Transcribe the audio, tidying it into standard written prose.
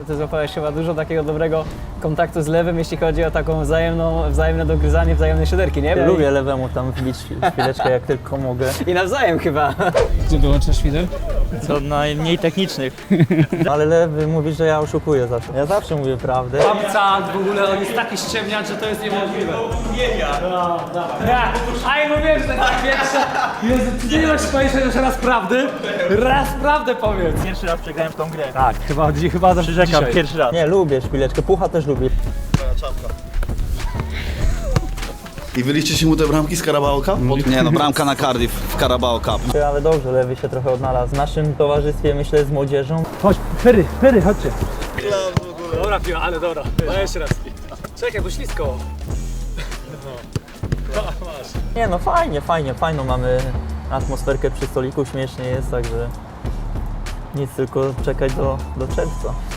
Ty złapałeś chyba dużo takiego dobrego kontaktu z lewym, jeśli chodzi o taką wzajemne dogryzanie, wzajemne siederki, nie? Lubię lewemu tam wbić chwileczkę jak tylko mogę. I nawzajem chyba. Gdzie dołączasz świder? Co najmniej technicznych. Ale lewy mówi, że ja oszukuję zawsze. Ja zawsze mówię prawdę. Babca, w ogóle on jest taki ściemniacz, że to jest niemożliwe. No, dawaj. A ja mówiłem, że tak pierwsze. Jezu, ty nie masz powiedzieć jeszcze raz prawdy? Raz prawdę powiedz. Pierwszy raz przegrałem w tą grę. Tak, chyba za Przyrzekam, pierwszy raz. Nie, lubię szpileczkę, Pucha też lubię. I wyliście się mu te bramki z Carabao Cup? Nie no, bramka na Cardiff w Carabao Cup. Ale dobrze, lewy się trochę odnalazł. W naszym towarzystwie, myślę, z młodzieżą. Chodź, Ferry, chodźcie. Dobra piła, ale dobra. No jeszcze raz. Czekaj, bo ślisko. Nie no, fajną mamy atmosferkę przy stoliku, śmiesznie jest, także nic, tylko czekać do czerwca.